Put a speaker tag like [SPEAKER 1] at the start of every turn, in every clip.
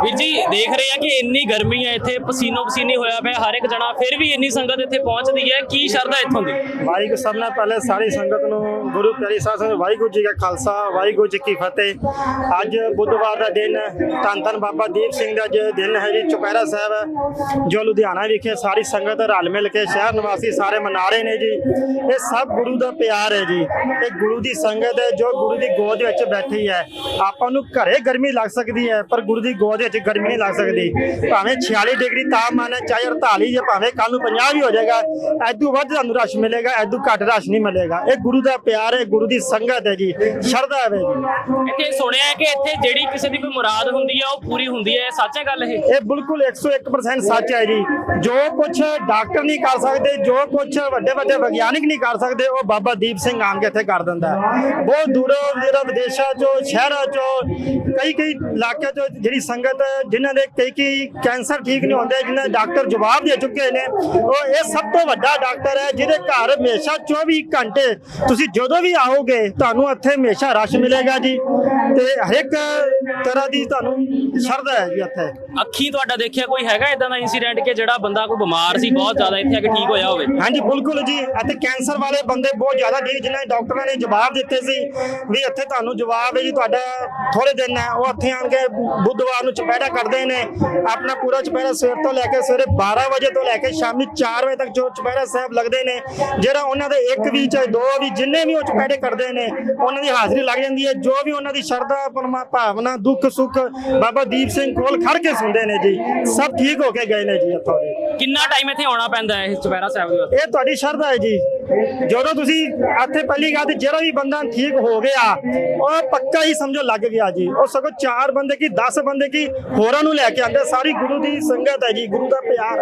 [SPEAKER 1] ਵੀਰ ਜੀ ਦੇਖ ਰਹੇ ਆ ਕਿ ਇੰਨੀ ਗਰਮੀ ਹੈ ਇੱਥੇ, ਪਸੀਨੋ ਪਸੀਨੀ ਹੋਇਆ ਪਿਆ ਹਰ ਇੱਕ ਜਣਾ, ਫਿਰ ਵੀ ਇੰਨੀ ਸੰਗਤ ਇੱਥੇ ਪਹੁੰਚਦੀ ਹੈ, ਕੀ ਸ਼ਰਧਾ ਇੱਥੋਂ ਦੀ?
[SPEAKER 2] ਵਾਹਿਗੁਰੂ ਸਭ ਨਾਲ ਪਹਿਲੇ ਸਾਰੀ ਸੰਗਤ ਨੂੰ ਗੁਰੂ ਪਿਆਰੀ ਸਾਧ ਸੰਗਤ ਵਾਹਿਗੁਰੂ ਜੀ ਕਾ ਖਾਲਸਾ ਵਾਹਿਗੁਰੂ ਜੀ ਕੀ ਫਤਿਹ। ਅੱਜ ਬੁੱਧਵਾਰ ਦਾ ਦਿਨ ਧੰਨ ਧੰਨ ਬਾਬਾ ਦੀਪ ਸਿੰਘ ਦਾ ਦਿਨ ਹੈ ਜੀ, ਚੁਪਹਿਰਾ ਸਾਹਿਬ ਜੋ ਲੁਧਿਆਣਾ ਵਿਖੇ ਸਾਰੀ ਸੰਗਤ ਰਲ ਮਿਲ ਕੇ ਸ਼ਹਿਰ ਨਿਵਾਸੀ ਸਾਰੇ ਮਨਾ ਰਹੇ ਨੇ ਜੀ। ਇਹ ਸਭ ਗੁਰੂ ਦਾ ਪਿਆਰ ਹੈ ਜੀ, ਇਹ ਗੁਰੂ ਦੀ ਸੰਗਤ ਹੈ ਜੋ ਗੁਰੂ ਦੀ ਗੋਦ ਵਿੱਚ ਬੈਠੀ ਹੈ। ਆਪਾਂ ਨੂੰ ਘਰੇ ਗਰਮੀ ਲੱਗ ਸਕਦੀ ਹੈ ਪਰ ਗੁਰੂ ਦੀ ਗੋਦ ਵਿੱਚ ਗਰਮੀ ਨਹੀਂ ਲੱਗ ਸਕਦੀ। ਭਾਵੇਂ 46 ਡਿਗਰੀ ਤਾਪਮਾਨ ਹੈ, ਚਾਹੇ 48 ਜਾਂ ਭਾਵੇਂ ਕੱਲ ਨੂੰ 50 ਵੀ ਹੋ ਜਾਏਗਾ, ਐਦੂ ਵੱਧ ਤੁਹਾਨੂੰ ਰਸ਼ ਮਿਲੇਗਾ, ਐਦੂ ਘੱਟ ਰਸ਼ ਨਹੀਂ ਮਿਲੇਗਾ। ਇਹ ਗੁਰੂ ਦਾ ਪਿਆਰ ਹੈ, ਗੁਰੂ ਦੀ ਸੰਗਤ ਹੈ ਜੀ, ਸ਼ਰਧਾ ਹੈ ਜੀ।
[SPEAKER 1] ਇੱਥੇ ਸੁਣਿਆ ਹੈ ਕਿ ਇੱਥੇ ਜਿਹੜੀ ਕਿਸੇ ਦੀ ਕੋਈ ਮੁਰਾਦ ਹੁੰਦੀ ਹੈ ਉਹ ਪੂਰੀ ਹੁੰਦੀ ਹੈ, ਸੱਚ ਹੈ ਗੱਲ ਇਹ?
[SPEAKER 2] ਇਹ ਬਿਲਕੁਲ 101% ਸੱਚ ਹੈ ਜੀ। ਜੋ ਕੁਝ ਡਾਕਟਰ ਨਹੀਂ ਕਰ ਸਕਦੇ, ਜੋ ਕੁਝ ਵੱਡੇ ਵੱਡੇ ਵਿਗਿਆਨਿਕ ਨਹੀਂ ਕਰ ਸਕਦੇ, ਉਹ ਬਾਬਾ ਦੀਪ ਸਿੰਘ ਆਣ ਕੇ ਇੱਥੇ ਕਰ ਦਿੰਦਾ ਹੈ। ਬਹੁਤ ਦੂਰੋਂ ਜਿਹੜਾ ਵਿਦੇਸ਼ਾਂ ਚੋਂ, ਸ਼ਹਿਰਾਂ ਚੋਂ, ਕਈ ਇਲਾਕਿਆਂ ਚੋਂ ਜਿਹੜੀ ਸੰਗਤ ਜਿਨ੍ਹਾਂ ਦੇ ਕਈ ਕੈਂਸਰ ਠੀਕ ਨਹੀਂ ਹੁੰਦੇ, ਜਿਨ੍ਹਾਂ ਦੇ ਡਾਕਟਰ ਜਵਾਬ ਦੇ ਚੁੱਕੇ ਨੇ, ਉਹ ਇਹ ਸਭ ਤੋਂ ਵੱਡਾ ਡਾਕਟਰ ਹੈ ਜਿਹਦੇ ਘਰ ਹਮੇਸ਼ਾ 24 ਘੰਟੇ ਤੁਸੀਂ ਜਦੋਂ ਵੀ ਆਓਗੇ ਤੁਹਾਨੂੰ ਇੱਥੇ ਹਮੇਸ਼ਾ ਰਸ਼ ਮਿਲੇਗਾ ਜੀ, ਤੇ ਹਰ ਇੱਕ ਤਰ੍ਹਾਂ ਦੀ ਤੁਹਾਨੂੰ ਸ਼ਰਧਾ ਹੈ ਜੀ ਇੱਥੇ।
[SPEAKER 1] ਅੱਖੀਂ ਤੁਹਾਡਾ ਦੇਖਿਆ ਕੋਈ ਹੈਗਾ ਇਦਾਂ ਦਾ ਇਨਸੀਡੈਂਟ ਕਿ ਜਿਹੜਾ ਬੰਦਾ ਕੋਈ ਬਿਮਾਰ ਸੀ ਬਹੁਤ ਜ਼ਿਆਦਾ, ਇੱਥੇ ਆ ਕੇ ਠੀਕ ਹੋਇਆ ਹੋਵੇ?
[SPEAKER 2] ਹਾਂਜੀ ਬਿਲਕੁਲ ਜੀ, ਇੱਥੇ ਕੈਂਸਰ ਵਾਲੇ ਬੰਦੇ ਬਹੁਤ ਜ਼ਿਆਦਾ ਜੀ, ਜਿਨ੍ਹਾਂ ਦੇ ਡਾਕਟਰਾਂ ਨੇ ਜਵਾਬ ਦਿੱਤੇ ਸੀ ਵੀ ਇੱਥੇ ਤੁਹਾਨੂੰ ਜਵਾਬ ਹੈ ਜੀ, ਤੁਹਾਡਾ ਥੋੜੇ ਦਿਨ ਹੈ। ਉਹ ਇੱਥੇ ਆਣ ਕੇ ਬੁੱਧਵਾਰ ਨੂੰ ਚੁਪਹਿਰਾ ਕਰਦੇ ਨੇ, ਆਪਣਾ ਪੂਰਾ ਚੁਪਹਿਰਾ ਸਵੇਰ ਤੋਂ ਲੈ ਕੇ ਸਵੇਰੇ 12 ਵਜੇ ਤੋਂ ਲੈ ਕੇ ਸ਼ਾਮੀ 4 ਵਜੇ ਤੱਕ ਜੋ ਚੁਪਹਿਰਾ ਸਾਹਿਬ ਲੱਗਦੇ ਨੇ, ਜਿਹੜਾ ਉਹਨਾਂ ਦੇ ਇੱਕ ਵੀ ਚਾਹੇ ਦੋ ਵੀ ਜਿੰਨੇ ਵੀ ਉਹ ਚੁਪਹਿਰੇ ਕਰਦੇ ਨੇ ਉਹਨਾਂ ਦੀ ਹਾਜ਼ਰੀ ਲੱਗ ਜਾਂਦੀ ਹੈ। ਜੋ ਵੀ ਉਹਨਾਂ ਦੀ ਸ਼ਰਧਾ ਭਾਵਨਾ ਦੁੱਖ ਸੁੱਖ ਬਾਬਾ ਦੀਪ ਸਿੰਘ ਕੋਲ ਖੜ ਕੇ ਸੁਣਦੇ ਨੇ ਜੀ, ਸਭ ਠੀਕ ਹੋ ਕੇ ਗਏ ਨੇ ਜੀ ਇੱਥੋਂ ਦੇ।
[SPEAKER 1] ਕਿੰਨਾ ਟਾਈਮ ਇੱਥੇ ਆਉਣਾ ਪੈਂਦਾ ਹੈ ਇਸ ਚੁਪਹਿਰਾ ਸਾਹਿਬ ਦੇ ਵਾਸਤੇ?
[SPEAKER 2] ਇਹ ਤੁਹਾਡੀ ਸ਼ਰਧਾ ਹੈ ਜੀ। ਜਦੋਂ ਤੁਸੀਂ ਇੱਥੇ ਪਹਿਲੀ ਗੱਲ ਤੇ ਜਿਹੜਾ ਵੀ ਬੰਦਾ ਠੀਕ ਹੋ ਗਿਆ ਉਹ ਪੱਕਾ ਹੀ ਸਮਝੋ ਲੱਗ ਗਿਆ ਜੀ। ਉਹ ਸਗੋਂ 4 ਬੰਦੇ ਕੀ 10 ਬੰਦੇ ਕੀ ਹੋਰਾਂ ਨੂੰ ਲੈ ਕੇ ਆਉਂਦੇ, ਸਾਰੀ ਗੁਰੂ ਦੀ ਸੰਗਤ ਹੈ ਜੀ, ਗੁਰੂ ਦਾ ਪਿਆਰ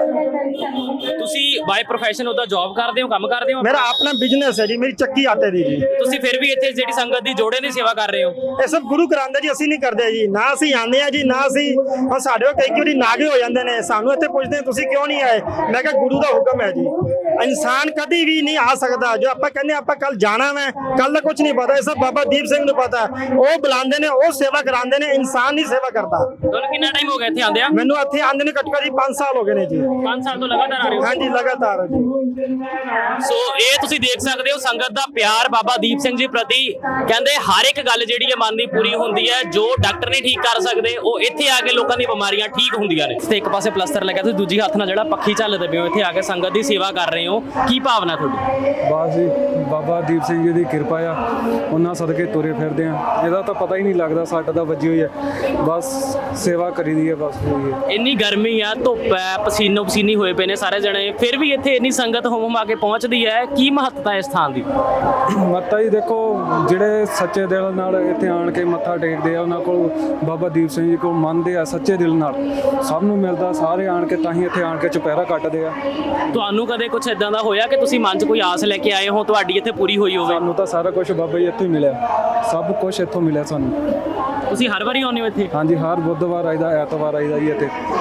[SPEAKER 2] ਹੈ।
[SPEAKER 1] ਤੁਸੀਂ ਬਾਈ ਪ੍ਰੋਫੈਸ਼ਨ ਉਹਦਾ ਜੌਬ ਕਰਦੇ ਹੋ, ਕੰਮ ਕਰਦੇ ਹੋ?
[SPEAKER 2] ਮੇਰਾ ਆਪਣਾ ਬਿਜ਼ਨਸ ਹੈ ਜੀ, ਮੇਰੀ ਚੱਕੀ ਆਟੇ ਦੀ ਜੀ।
[SPEAKER 1] ਤੁਸੀਂ ਫਿਰ ਵੀ ਇੱਥੇ ਜਿਹੜੀ ਸੰਗਤ ਦੀ ਜੋੜੇ ਦੀ ਸੇਵਾ ਕਰ ਰਹੇ ਹੋ?
[SPEAKER 2] ਇਹ ਸਭ ਗੁਰੂ ਕਰਾਉਂਦਾ ਜੀ, ਅਸੀਂ ਨਹੀਂ ਕਰਦੇ ਜੀ। ਨਾ ਅਸੀਂ ਆਉਂਦੇ ਆ ਜੀ, ਨਾ ਅਸੀਂ ਹੁਣ ਸਾਡੇ ਕੋਲ ਕਈ ਵਾਰੀ ਨਾਗੇ ਹੋ ਜਾਂਦੇ ਨੇ, ਸਾਨੂੰ ਇੱਥੇ ਪੁੱਛਦੇ ਤੁਸੀਂ ਕਿਉਂ ਨਹੀਂ ਆਏ? ਮੈਂ ਕਿਹਾ ਗੁਰੂ ਦਾ ਹੁਕਮ ਹੈ ਜੀ। ਇਨਸਾਨ ਕਦੀ ਵੀ ਨਹੀਂ ਆ ਸਕਦਾ। ਜੋ ਆਪਾਂ ਕਹਿੰਦੇ ਆਪਾਂ ਕੱਲ ਜਾਣਾ ਮੈਂ, ਕੱਲ ਦਾ ਕੁਝ ਨਹੀਂ ਪਤਾ, ਇਹ ਸਭ ਬਾਬਾ ਦੀਪ ਸਿੰਘ ਨੂੰ ਪਤਾ। ਉਹ ਬੁਲਾਉਂਦੇ ਨੇ, ਉਹ ਸੇਵਾ ਕਰਾਉਂਦੇ ਨੇ, ਇਨਸਾਨ ਨਹੀਂ ਸੇਵਾ ਕਰਦਾ।
[SPEAKER 1] ਤੁਹਾਨੂੰ ਕਿੰਨਾ ਟਾਈਮ ਹੋ ਗਿਆ ਇੱਥੇ ਆਂਦਿਆਂ?
[SPEAKER 2] ਮੈਨੂੰ ਇੱਥੇ ਆਂਦੇ ਨੇ ਘੱਟੋ ਘੱਟ 5 ਸਾਲ ਹੋ ਗਏ ਨੇ ਜੀ।
[SPEAKER 1] 5 ਸਾਲ ਤੋਂ ਲਗਾਤਾਰ ਆ ਰਹੇ ਹੋ?
[SPEAKER 2] ਹਾਂਜੀ ਲਗਾਤਾਰ ਜੀ।
[SPEAKER 1] ਸੋ ਇਹ ਤੁਸੀਂ ਦੇਖ ਸਕਦੇ ਹੋ ਸੰਗਤ ਦਾ ਪਿਆਰ ਬਾਬਾ ਦੀਪ ਸਿੰਘ ਜੀ ਪ੍ਰਤੀ। ਕਹਿੰਦੇ ਹਰ ਇੱਕ ਗੱਲ ਜਿਹੜੀ ਹੈ ਮਨ ਦੀ ਪੂਰੀ ਹੁੰਦੀ ਹੈ, ਜੋ ਡਾਕਟਰ ਨਹੀਂ ਠੀਕ ਕਰ ਸਕਦੇ ਉਹ ਇੱਥੇ ਆ ਕੇ ਲੋਕਾਂ ਦੀਆਂ ਬਿਮਾਰੀਆਂ ਠੀਕ ਹੁੰਦੀਆਂ ਨੇ। ਤੇ ਇੱਕ ਪਾਸੇ ਪਲਸਤਰ ਲੱਗਿਆ, ਤੁਸੀਂ ਦੂਜੀ ਹੱਥ ਨਾਲ ਜਿਹੜਾ ਪੱਖੀ ਝੱਲਦੇ ਪਏ ਹੋ, ਇੱਥੇ ਆ ਕੇ ਸੰਗਤ ਦੀ ਸੇਵਾ ਕਰ ਰਹੇ ਹੋ, ਕੀ ਭਾਵਨਾ ਤੁਹਾਡੀ?
[SPEAKER 3] ਬਸ ਜੀ ਬਾਬਾ ਦੀਪ ਸਿੰਘ ਜੀ ਦੀ ਕਿਰਪਾ ਆ, ਉਹਨਾਂ ਸਦਕੇ ਤੁਰੇ ਫਿਰਦੇ ਆ। ਇਹਦਾ ਤਾਂ ਪਤਾ ਹੀ ਨਹੀਂ ਲੱਗਦਾ ਸੱਟ ਦਾ ਵੱਜੀ ਹੋਈ ਹੈ, ਬਸ ਸੇਵਾ ਕਰੀਦੀ ਹੈ ਬਸ ਹੋਈ ਹੈ।
[SPEAKER 1] ਇੰਨੀ ਗਰਮੀ ਆ, ਧੁੱਪ ਹੈ, ਪਸੀਨੋ ਪਸੀਨੀ ਹੋਏ ਪਏ ਨੇ ਸਾਰੇ ਜਣੇ, ਫਿਰ ਵੀ ਇੱਥੇ ਇੰਨੀ ਸੰਗਤ ਹੁਮ ਆ ਕੇ ਪਹੁੰਚਦੀ ਹੈ, ਕੀ ਮਹੱਤਤਾ ਇਸ ਥਾਂ ਦੀ?
[SPEAKER 3] ਮੱਤਾ ਜੀ ਦੇਖੋ, ਜਿਹੜੇ ਸੱਚੇ ਦਿਲ ਨਾਲ ਇੱਥੇ ਆਣ ਕੇ ਮੱਥਾ ਟੇਕਦੇ ਆ, ਉਹਨਾਂ ਕੋਲ ਬਾਬਾ ਦੀਪ ਸਿੰਘ ਜੀ ਕੋਲ ਮੰਨਦੇ ਆ ਸੱਚੇ ਦਿਲ ਨਾਲ, ਸਭ ਨੂੰ ਮਿਲਦਾ। ਸਾਰੇ ਆਣ ਕੇ ਤਾਂ ਹੀ ਇੱਥੇ ਆਣ ਕੇ ਚੁਪਹਿਰਾ ਕੱਟਦੇ ਆ।
[SPEAKER 1] ਤੁਹਾਨੂੰ ਕਦੇ ਕੁਝ ਇਦਾਂ ਦਾ ਹੋਇਆ ਕਿ ਤੁਸੀਂ ਮਨ 'ਚ ਕੋਈ ਆਸ ਲੈ ਕੇ ਆਏ ਹੋ, ਤੁਹਾਡੀ ਇੱਥੇ ਪੂਰੀ ਹੋਈ ਹੋਵੇ?
[SPEAKER 3] ਸਾਨੂੰ ਤਾਂ ਸਾਰਾ ਕੁਝ ਬਾਬਾ ਜੀ ਇੱਥੋਂ ਹੀ ਮਿਲਿਆ, ਸਭ ਕੁਝ ਇੱਥੋਂ ਮਿਲਿਆ ਸਾਨੂੰ।
[SPEAKER 1] ਤੁਸੀਂ ਹਰ ਵਾਰੀ ਆਉਂਦੇ ਹੋ ਇੱਥੇ?
[SPEAKER 3] ਹਾਂਜੀ, ਹਰ ਬੁੱਧਵਾਰ ਆਈਦਾ, ਐਤਵਾਰ ਆਈਦਾ ਜੀ ਇੱਥੇ।